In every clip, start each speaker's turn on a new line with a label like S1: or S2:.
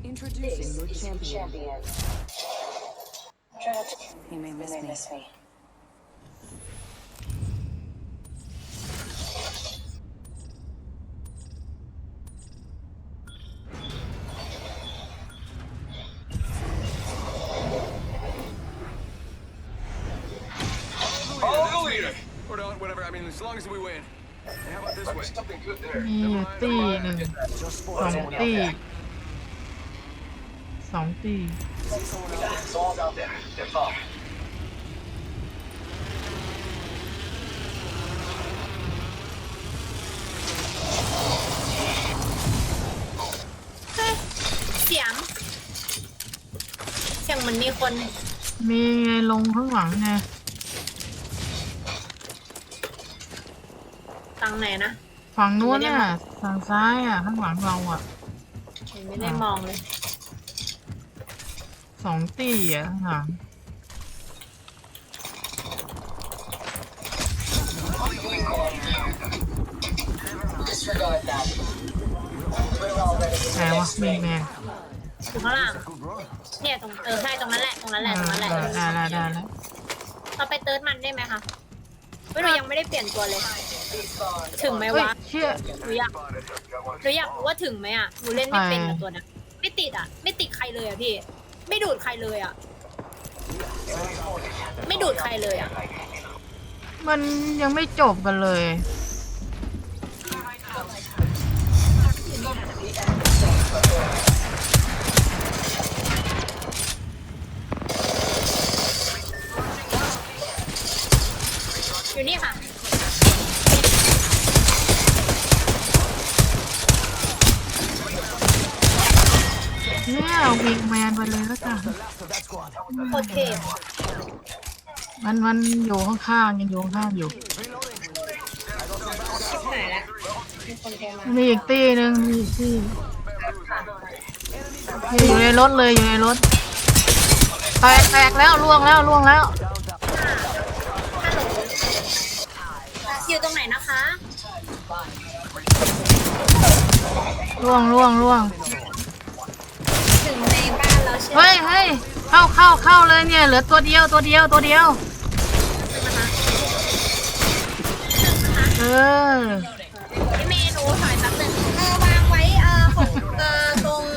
S1: Introducing your champion. He may miss me.
S2: Whatever. I mean, as long as we win. Hey, how about this way? Something good there.
S3: มีอยู่ตีหนึ่งสองตี
S2: It's all out there. They're far.
S4: เสียงเหมือนมีคน
S3: มีไงลงข้างหลังไง
S4: ตังไหนนะ
S3: ฝั่งนู้นเนี่ยฝั่งซ้ายอ่ะข้างหลังเราอ่ะ
S4: ไม่ได้มองเลย
S3: สองตีอ่ะข้างหลังไหนวะมีแมง
S4: อยู่ข้างล่างเนี่ยตรงใช่ตรงนั้นแหละ
S3: ได้แล้ว
S4: เราไปเติร์ดมันได้ไหมคะไม่รู้ยังไม่ได้เปลี่ยนตัวเลย ถึงไหม
S3: เฮ้ยว
S4: ะ
S3: เชี่ย
S4: หนูอยากรู้ว่าถึงไหมอ่ะหนูเล่นไม่เป็นกับตัวนั้นไม่ติดอ่ะไม่ติดใครเลยอ่ะพี่ไม่ดูดใครเลยอ่ะไม่ดูดใครเลยอ่ะ
S3: มันยังไม่จบกันเลย
S4: อยู่นี่ค่ะ
S3: เนี่ยวิงแมนไปเลยแล้วกัน
S4: โอเค
S3: มันอยู่ข้างๆยังอยู่ข้างๆอยู่
S4: ชิบหายแล้วมีคนโทรมา
S3: มีอีกตีหนึ่งมีอีกตีอยู่ในรถเลยอยู่ในรถแตกแล้วล่วงแล้ว
S4: อยู่ตรงไหนนะคะ
S3: ล่วง
S4: ถึงในบ้านเราใช่ไหม
S3: เฮ้ยเข้าเลยเนี่ยเหลือตัวเดียวเออ
S4: พี่เมย์หนูถอยแป๊บนึงวางไว้ตรง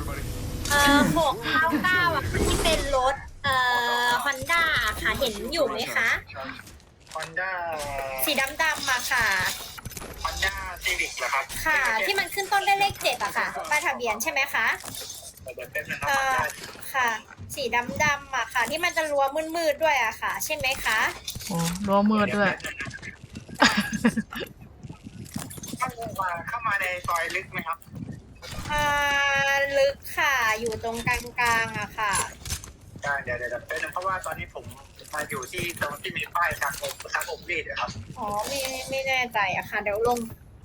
S4: 699อ่ะที่เป็นรถฮอนด้าค่ะเห็นอยู่ไหมคะ
S5: Honda
S4: สีดำๆมาค่ะ
S5: Honda Civic เหรอครับ
S4: ค่ะ ที่มันขึ้นต้นด้วยเลข7อะค่ะป้ายทะเบียนใช่ไหมคะ
S5: เดี๋ยวเป็นนะครับ Honda
S4: ค่ะ สีดำๆอะค่ะ ที่มันจะรั้วมืดๆด้วยอะค่ะ ใช่ไหมคะ
S3: โอ้รั้วมืดด้วย
S5: เข้ามาในซอยลึกไหมครับ
S4: ลึกค่ะ อยู่ตรงกลางๆอะค่ะ
S5: เดี๋ยวเป็นเพราะว่าตอนนี้ผมมาอยู่ที่ตรงที่มีป้ายทางผมรีดครับ
S4: อ๋อไม่แน่ใจอะค่ะ เดี๋ยวลง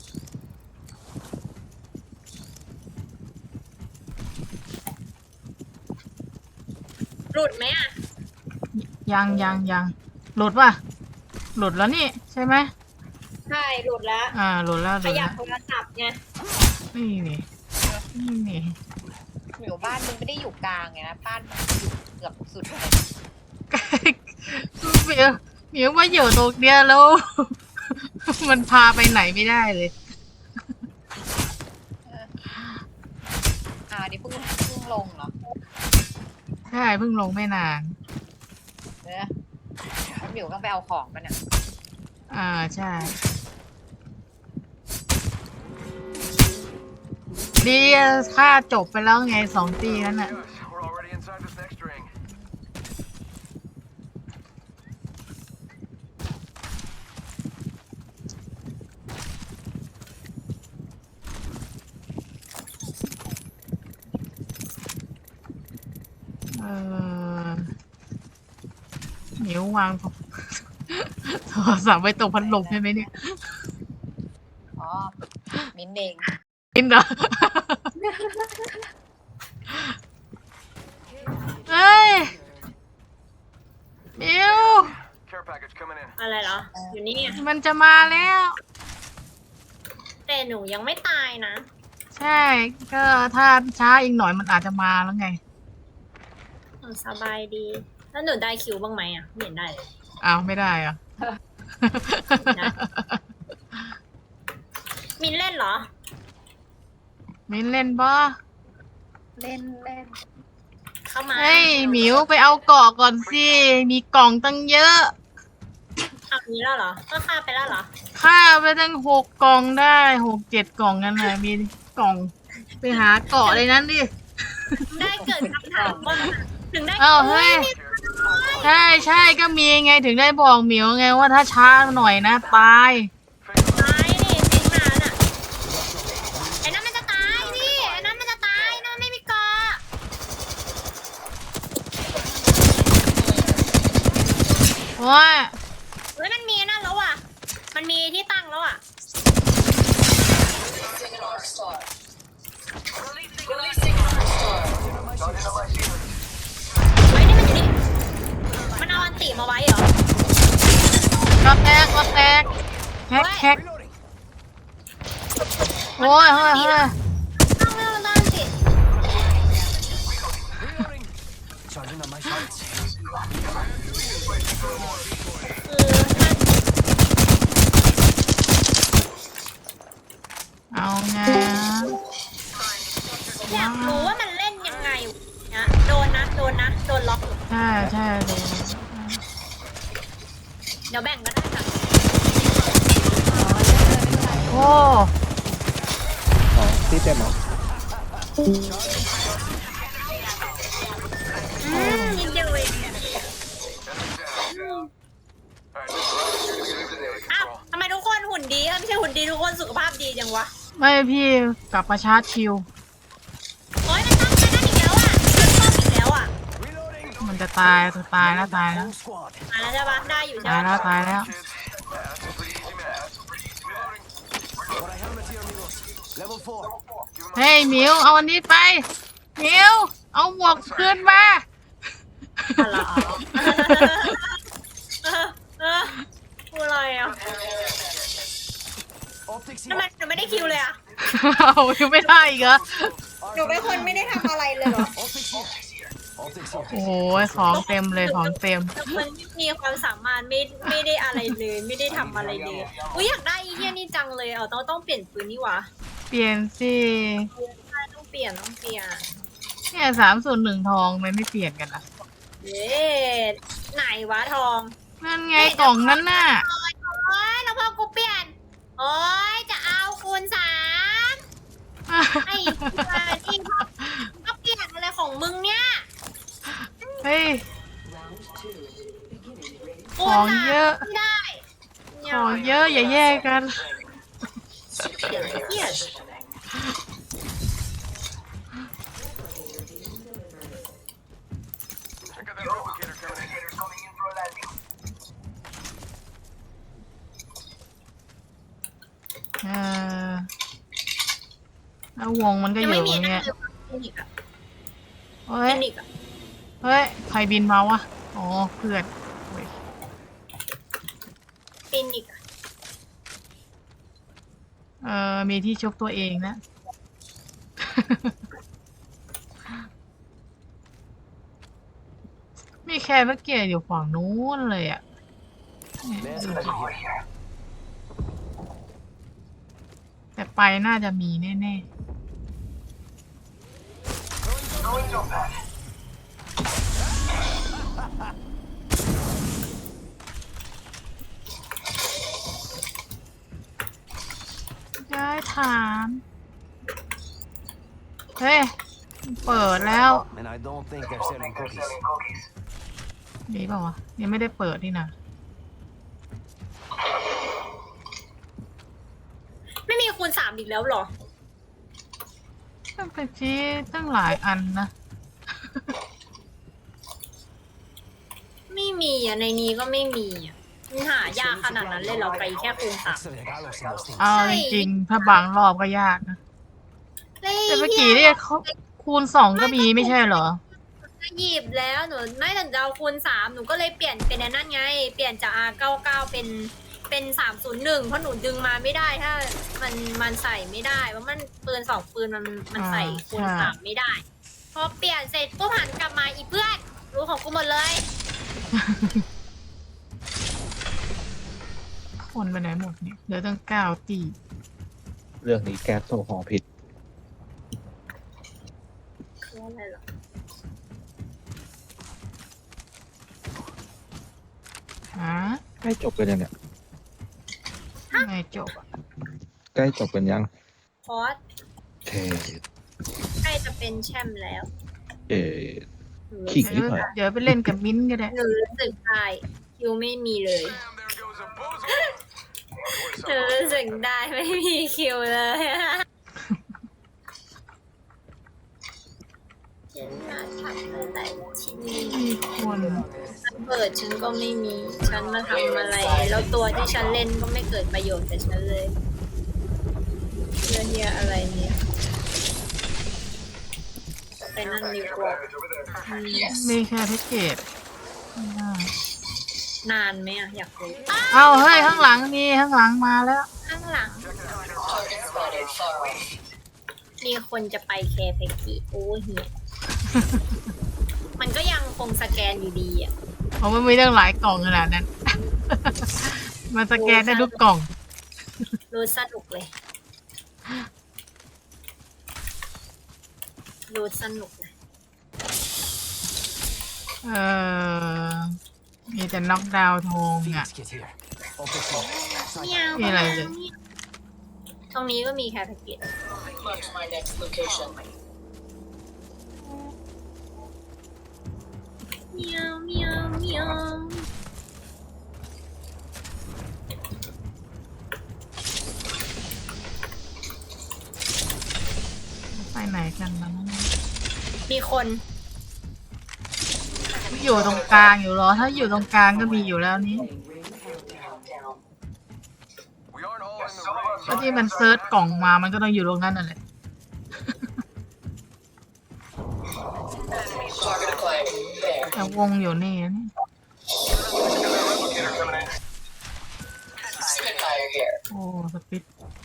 S4: หลุดไหมอะ
S3: ยังหลุดป่ะหลุดแล้วนี่ใช่ไหม
S4: ใช่หลุดแล้ว
S3: หลุดแล้ว
S4: ขยับโทรศัพท์ไง
S3: นี่
S6: อยู่บ้านมึงไม่ได้อยู่กลางไงนะบ้านมึงอยู่เกือบสุดเลย
S3: เหมียวมาอยู่ตรงเนี้ยแล้ว มันพาไปไหนไม่ได้เลย
S6: นี่เพิ่งลงเหรอ
S3: ใช่เพิ่งลงไม่นาน
S6: เนี่ยแล้วหมิวต้องไปเอาของมันอ่ะ
S3: ใช่ดีค่าจบไปแล้วไง2 ตีนั้นน่ะ
S2: We're already inside this next ring.
S3: เหนียววางโทรศัพท์ไว้ตรงพัดลมใช่ไหมเนี่ย
S6: อ๋อ มิ้นเอง
S3: กินเหรอ เฮ้ยมิว
S2: Care package coming in.
S4: อะไรเหรอ อยู่นี่ไง
S3: มันจะมาแล้ว
S4: แต่หนูยังไม่ตายนะ
S3: ใช่ก็ถ้าช้าอีกหน่อยมันอาจจะมาแล้วไง
S4: สบายดีแล้วหนูได้คิวบ้างไหมอ่ะไม่เห็นได้เลย
S3: อ้าวไม่ได้อ่ะ
S4: นะ มินเล่นเหรอ
S3: มินเล่นบ่
S6: เล่นเล่น
S4: เข้ามา
S3: เฮ้ยหมิวไปเอาเกาะก่อนสิ มีกล่องตั้งเยอะ
S4: เอานี้แล้วเหรอก็ฆ่าไปแล้วเหรอ
S3: ค่าไปตั้ง6 กล่องได้6-7 กล่องนั่นแหละมีกล่อง ไปหาเกาะเลยนั้นดิ
S4: ได้เกิดคำถามว่าถึงได้
S3: อ้าวเฮ้ย ใช่ใช่ก็มีไงถึงได้บอกหมิวไงว่าถ้าช้าหน่อยนะตาย
S4: ตายนี่จริงมาน่ะไอ้นั่นมันจะตายพี่ไอ้นั่นมันจะตายนั่นไม่มีเกาะ
S3: เพราะว่า
S4: เฮ้ยมันมีนั่นแล้วอ่ะมันมีที่ตั้งแล้วอ่ะเฮ้ยนี่มันอยู่นี่มันเอาอันติมาไว้เหรอ
S3: ก็แตกแฮกโอ้ยเฮ้ย
S4: ต้องไม่เอาอันติ
S2: Reloading. Charging on my shots.
S3: เอาไง
S4: อยากรู้ว่ามันเล่นยังไงนะโดนล็อก
S3: ใช่ใช่เลย
S4: เดี๋ยวแบ่งก็ได้ค่ะ
S3: โอ้
S7: ที่เต็มเหรอ
S4: นิดเดียวเองอ้าวทำไมทุกคนหุ่นดีไม่ใช่หุ่นดีทุกคนสุขภาพดีจังวะ
S3: ไม่พี่กลับมาชาร์จชิว
S4: โอ๊ยมันต้องไปนั่นอีกแล้วอ่ะมันต้องอีกแล้วอ่ะ
S2: Reloading.
S3: มันจะตายแล้ว
S2: Whole squad.
S4: มาแล้วใช่ปะได้อยู่ใช่
S3: ตาย
S4: ปะ
S3: แล้วตายแล้ว
S2: Kids. That's a pretty easy math. Reloading. Got a helmet here, amigos. Level 4.
S3: เฮ้ยหมิวเอาอันนี้ไปหมิวเอาหมวกคืนมา
S4: อะไรพูดอะไรอ่ะ
S2: Optics
S4: ทำไม
S2: here.
S4: หนูไม่ได้คิวเลยอ่ะ
S3: เอายังไม่ได้อีกเหรอ
S4: หนูเป็นคนไม่ได้ทำอะไรเลยเหรอ
S2: Optics here. Optics
S3: โอ้
S2: here.
S3: โหของเต็มเลยของเต็ม
S4: มันมีความสามารถไม่ได้อะไรเลยไม่ได้ทำอะไรเลยอุ้ยอยากได้อีเทียนี่จังเลยต้องเปลี่ยนปืนนี่หวะ
S3: เปลี่ยนสิ
S4: ใช่ต้องเปลี่ยน
S3: เนี่ย301 ทองมันไม่เปลี่ยนกันอ่ะ
S4: เย้ไหนวะทอง
S3: นั่นไงกล่องนั้นน่ะ
S4: โอ้ยแล้วพอกูเปลี่ยนโอ้ยจะเอาคูณ3ไอ้ที่ก็เปลี่ยนอะไรของมึงเนี่ย
S3: เฮ้ย
S4: คูณ
S3: ของเยอะ
S4: ไม่ได้
S3: ของเยอะอย่าแยกกัน
S4: เหี้ย
S2: I got that replicator coming in.
S3: เออแล้ววงมันก็
S4: ยัง
S3: อ
S4: ไม่
S3: ยู่
S4: มี
S3: อย่าง
S4: นะ
S3: เงี้ย
S4: ฟินิกอะ
S3: เฮ้ย
S4: ฟินิกอะ
S3: เฮ้ย ใครบินมาวะ อ๋อ เพื่อนเว้ย
S4: ฟินิกอะ
S3: มีที่ชกตัวเองนะ มีแค่เมื่อกี้อยู่ฝั่งนู้นเลยอ่ะเนี่ยดูสิแต่ไปน่าจะมีแน่ๆย้ายฐาน เฮ้ย เปิดแล้ว
S2: And I don't think they're selling cookies.
S3: มีเปล่าวะยังไม่ได้เปิดนี่นะ
S4: ไม่มีคูณ3อีกแล้วเหรอ
S3: ตั้งแต่ชี้ตั้งหลายอันนะ
S4: ไม่มีอ่ะในนี้ก็ไม่มีอ่ะมันหายากขนาดนั้นเลยเหรอไปแค่คูณ3
S2: Extra regalos in those things.
S3: เอาจริงๆถ้าบางรอบก็ยากนะ แต่เมื่อกี้เนี่ยเขาคูณ2ก็มีไม่ใช่เหรอ
S4: หยิบแล้วหนูไม่แต่จะเอาคูณ3หนูก็เลยเปลี่ยนเป็นนั่นไง เปลี่ยนจาก R99 เป็นเป็น301เพราะหนูดึงมาไม่ได้ถ้ามันใส่ไม่ได้เพราะมันปืน2ปืนมันใส่คูณ3ไม่ได้พอเปลี่ยนเสร็จปุ๊บหันกลับมาอีเพื่อนรู้ของกูหมดเลย
S3: คนไปไหนหมดเนี่ยเหลือตั้ง9 ตี
S7: เรื่องนี้แก๊สโซฮอล์ผิด
S4: คืออะไรเหรอ
S3: ฮะ
S7: ใกล้จบกันยังเนี่ย
S3: ไงจบอ่ะ
S7: ใกล้จบกันยัง
S4: คอส
S7: เท
S4: ใกล้จะเป็นแชมป์แล้ว
S7: เอขิงนิดหน่อย
S3: เดี๋ยวไปเล่นกับมิ้นท์ก็ได้
S4: หนูรู้สึกได้คิวไม่มีเลย
S2: Damn, there goes a bozo.
S4: หนูรู้สึกได้ไม่มีคิวเลยฉันมาทำอะไรที่นี่
S3: มีคน
S4: เปิดฉันก็ไม่มี ฉันมาทำอะไร แล้วตัวที่ฉันเล่นก็ไม่เกิดประโยชน์กับฉันเลยเรื่องเฮียอะไรเนี่ยไปนั่นดีกว่าอืม
S3: มีแค่แพ็กเกจไม่ได้
S4: นานไหมอะอยากรู้
S3: เอ้าเฮ้ยข้างหลังนี่ข้างหลังมาแล้ว
S4: ข้างหลัง มีคนจะไปแคร์เพกกี้โอ้เฮีย มันก็ยังคงสแกนอยู่ดีอ่ะ
S3: เพราะมันมีตั้งหลายกล่องขนาดนั้น มาสแกนได้ทุกกล่อง
S4: รู้สนุกเลย รู้สนุกเลย
S3: เออมีแต่น็อกดาวน์ทงอ่ะ
S2: Phoenix kit here. All fixed up.
S4: เมียว
S3: มีอะไรเลย
S4: ตรงนี้ก็มีแคร์เพกกี้เมียวเมียวเมียว
S3: ไปไหนกันนะ
S4: มีคน
S3: อยู่ตรงกลางอยู่เหรอ ถ้าอยู่ตรงกลางก็มีอยู่แล้วนี่
S2: We aren't all in the ring.
S3: ถ้าที่มันเซิร์ชกล่องมามันก็ต้องอยู่ตรงนั้นนั่นแหละ แต่วงอยู่นี่นะ โอ้สปิด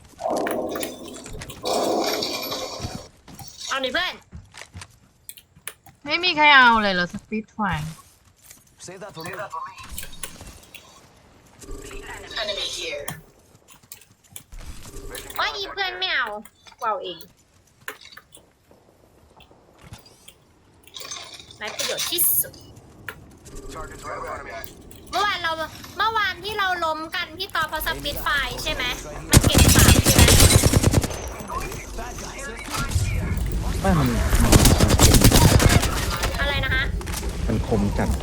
S4: เอาหนิเพื่อน
S3: ไม่มีใครเอาเลยเหรอสปิดไฟ
S2: Save that for me.
S4: ว่าอีเพื่อนไม่เอากูเอาเองไรประโยชน์ที่สุด
S2: Target's right in front of me.
S4: เมื่อวานที่เราล้มกันพี่ต่อพอสปิดไฟใช่ไหมมันเก็บสามใช่ไหม
S7: ไม่มัน
S4: อะไรนะคะ
S7: มันคมจัด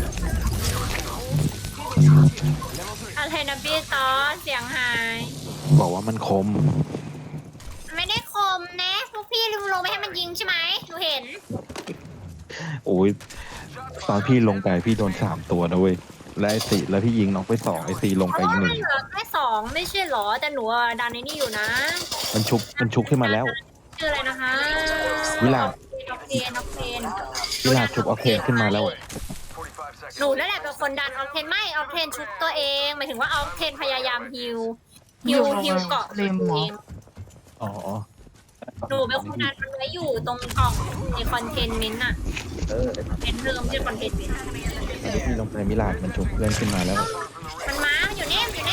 S4: อะไรนะพี่ต่อเสียงหาย
S7: บอกว่ามันคม
S4: ไม่ได้คมนะพวกพี่ลงไปให้มันยิงใช่ไหมหนูเห็น
S7: โอ้ยตอนพี่ลงไปพี่โดน3 ตัวนะเว้ย และไอ้สี่แล้วพี่ยิงน้องไป2ไอ้สี่ลง
S4: เพ
S7: ไป
S4: ราะ
S7: อี
S4: ว่าก
S7: ห
S4: มั
S7: นึ่
S4: น
S7: ง
S4: เหลือแค่2ไม่ใช่เหรอแต่หนูอะดันในนี่อยู่นะ
S7: มันชุบขึ้นมาแล้ว
S4: ชื่ออะไรนะคะ
S7: วิลา
S4: ออกเพน
S7: วิลาชุบออกเทนขึ้นมาแล้ว
S2: 45 seconds.
S4: หนูนั่นแหละเป็นคนดันออกเพนไม่ออกเพนชุบตัวเองหมายถึงว่าออกเพนพยายามฮิวเกาะ
S3: เลมหมอ
S7: อ๋อ
S4: หนูเป็นคนดันมันไว้อยู่ตรงกล่องในคอนเทนเมนต์อะเป็นเริ่มที่คอนเทนเมนต์
S7: แล้วพี่ลงไปมิลาดมันชุบเพื่อนขึ้นมาแล้ว
S4: มันมันอยู่นี่พี่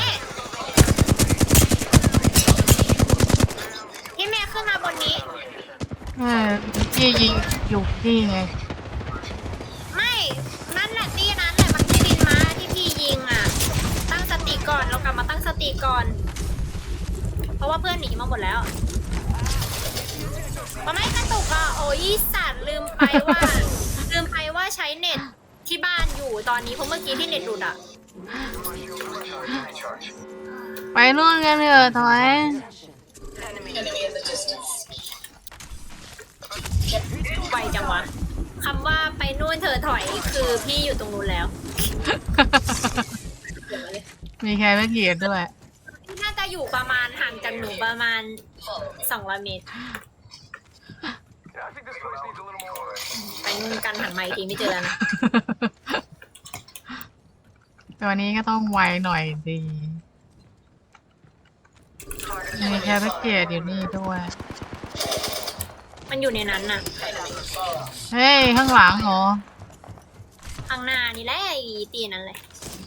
S4: แม่ขึ้นมาบนนี้
S3: พี่ยิงอยู่นี่ไง
S4: ไม่นั่นแหละตีนั้นแหละมันที่บินมาที่พี่ยิงอะตั้งสติก่อนเรากลับมาตั้งสติก่อน เพราะว่าเพื่อนหนีมาหมดแล้วมันไม่กระตุกอ่ะโอ้ยสัตว์ลืมไปว่าใช้เน็ตที่บ้านอยู่ตอนนี้เพราะเมื่อกี้ที่เน็ตหลุดอ่ะ
S3: ไปนู่นกันเถอะถอย
S4: ไวจังวะคำว่าไปนู่นเธอถอยคือพี่อยู่ตรงนู้นแล้ว
S3: มีใครไม่เกียดด้วย
S4: พี่น่าจะอยู่ประมาณห่างจากหนูประมาณ200 เมตร
S2: Yeah, I think this place needs a little more.
S4: ไปนู่นกันหันมาอีกทีไม่เจอแล้วนะ
S3: ตัวนี้ก็ต้องไวหน่อยดีแคร์แพ็กเกจอยู่นี่ด้วย
S4: มันอยู่ในนั้นน่ะ
S3: เฮ้ย ข้างหลังเหรอ
S4: ข้างหน้านี่แหละไอ้ตีนั้นเลย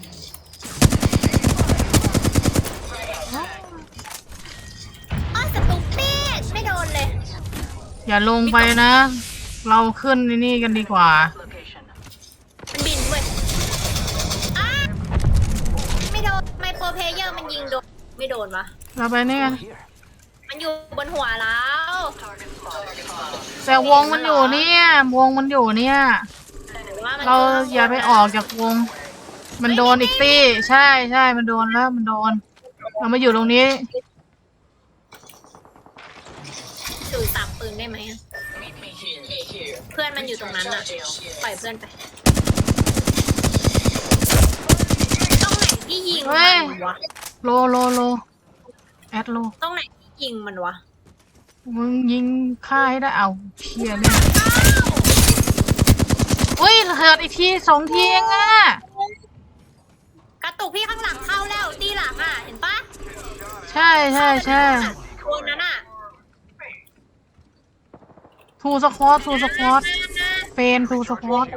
S4: อ้อสตูปิดไม่โดนเลย
S3: อย่าลงไปนะ เราขึ้นนี่กันดีกว่า
S4: มันบินเว้ยอ้าไม่โดนไมโครเพลเยอร์มันยิงโดนไม่โดนวะ
S3: เราไปนี่กัน
S2: Here.
S4: มันอยู่บนหัวแล้ว
S3: แต่วงมันอยู่เนี่ย วงมันอยู่เนี่ย
S4: หรือว่ามัน
S3: เราอย่าไปออกจากวง มันโดนอีกตี้ ใช่ใช่มันโดนแล้วมันโดน เรามาอยู่ตรงนี้
S4: ถือสับปืนได้ไหมอะเพื่อนมันอยู่ตรงนั้นอ่ะปล่อยเพื่อนไปตรงไหนที่ยิง
S3: เฮ้
S4: มัน
S3: ย
S4: วะ
S3: โลแอดโล
S4: ตรงไหนที่ยิงมันวะ
S3: มึงยิงฆ่าให้ได้เอาเชียเนี่ยอุ้ยเหิดอีกทีสองทีเองอ่ะ
S4: กระตุกพี่ข้างหลังเข้าแล้วตีหลังอ่ะเห็นปะ
S3: ใช่ใช่ใช่
S4: คนนั้นอ่ะ
S3: ทูสควอตเฟนทูสควอต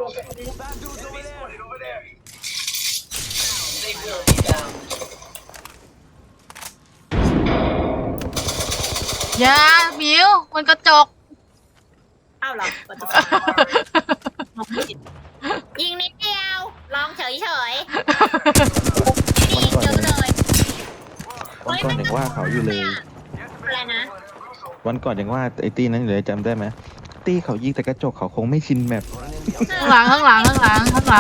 S3: อย่าหมิวมันกระจก
S4: อ้าวเหรอประตูยิงนิดเดียวลองเฉยๆยิงเยอะเลย
S7: วันก่อนยังว่าเขาอยู่เลย
S4: อะไรนะ
S7: วันก่อนยังว่าไอ้ตี้นั้นอยู่เลยจำได้ไหมตี้เขายิงแต่กระจกเขาคงไม่ชินแมป
S3: ข้างหลัง
S4: ตรงนี้ก็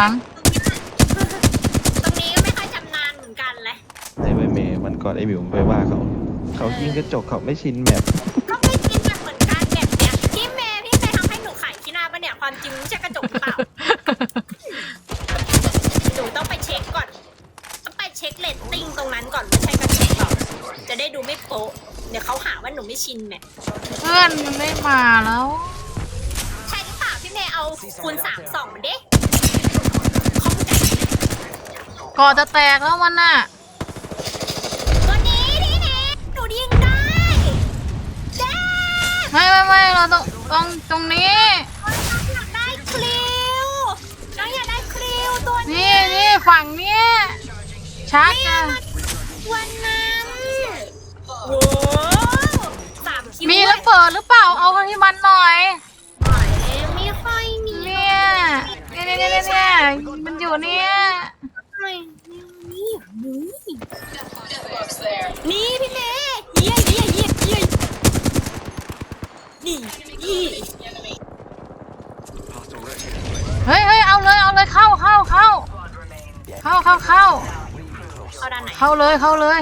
S4: ไม่ค่อยชำนาญเหมือนกันเลย
S7: ไอ้ใบเมย์วันก่อนไอ้บิวไปว่าเขายิงกระจกเขาไม่ชินแมป
S4: ก็ไม่จริงแบบเหมือนกันแบบเนี้ยพี่เมย์ทำให้หนูขายขี้หน้าปะเนี่ยความจริงไม่ใช่กระจกหรือเปล่าหนูต้องไปเช็คก่อนต้องไปเช็คเรตติ้งตรงนั้นก่อนไม่ใช่กระจกหรอกจะได้ดูไม่โป๊ะเดี๋ยวเขาหาว่าหนูไม่ชินแมท
S3: เพื่อนมันไม่มาแล้ว
S4: ใช่หรือเปล่าพี่เมย์เอาคูณ3 2มันดิเข้าใจ
S3: ก่อจะแตกแล้วมันน่ะ
S4: ตัวนี้พี่เมย์หนูยิงได้เจ๊
S3: ไม่เราต้องตรงนี้
S4: อยากได้คลิวน้องอยากได้คลิวตัวนี้
S3: นี่ฝั่งเนี้ยชักจ้ะ
S4: วันนั้นโว้3 คิว
S3: มีระเบิดหรือเปล่าเอาให้มันหน่อย
S4: ไม่ค่อยมี
S3: เนี่ยมันอยู่เนี่ย
S4: นี่พี่เมย์เยี่ยนี่ยี่
S3: เฮ้ยเอาเลยเข้า
S4: เอาด้านไหน
S3: เข้าเลย
S4: บ้า
S3: เข้าเลย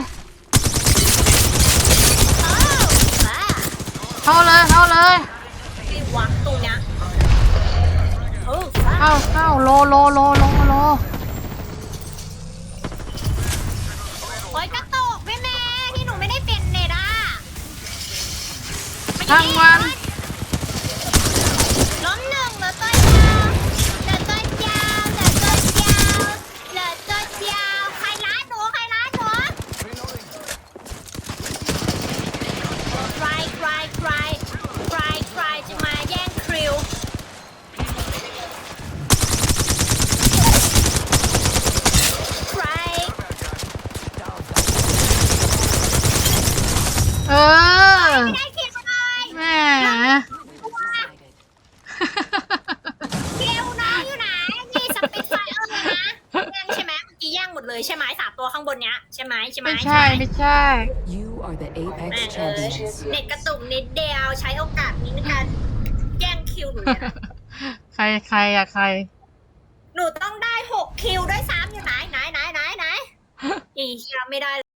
S4: ที่วักตรงเนี้ยบ้า
S3: เข้าโล
S4: โอ๊ยกระตุกพี่เมย์ที่หนูไม่ได้เป็นเน็ตอ่ะ
S3: ทางวัน
S4: ล้มหนึ่งเหลือตัวเดียวใครร้านหนูใครจะมาแย่งคริวใคร
S3: เออ
S4: ได้คิดเลย
S3: แหม่
S4: เกลน้องอยู่ไหนมีสปิดไฟเออร์นะแย่งใช่ไหมเมื่อกี้แย่งหมดเลยใช่ไหม3 ตัวข้างบนเนี้ยใช่ไหม
S3: ไม่ใช่
S1: You are the
S4: แม่
S1: Apex
S4: เออ
S1: champions.
S4: เน็ตกระตุกนิดเดียวใช้โอกาสนี้ในการแย่งคิวหนูเนี่ย
S3: ใครอะใคร
S4: หนูต้องได้6 คิวด้วยซ้ำอยู่ไหนอีเชียไม่ได้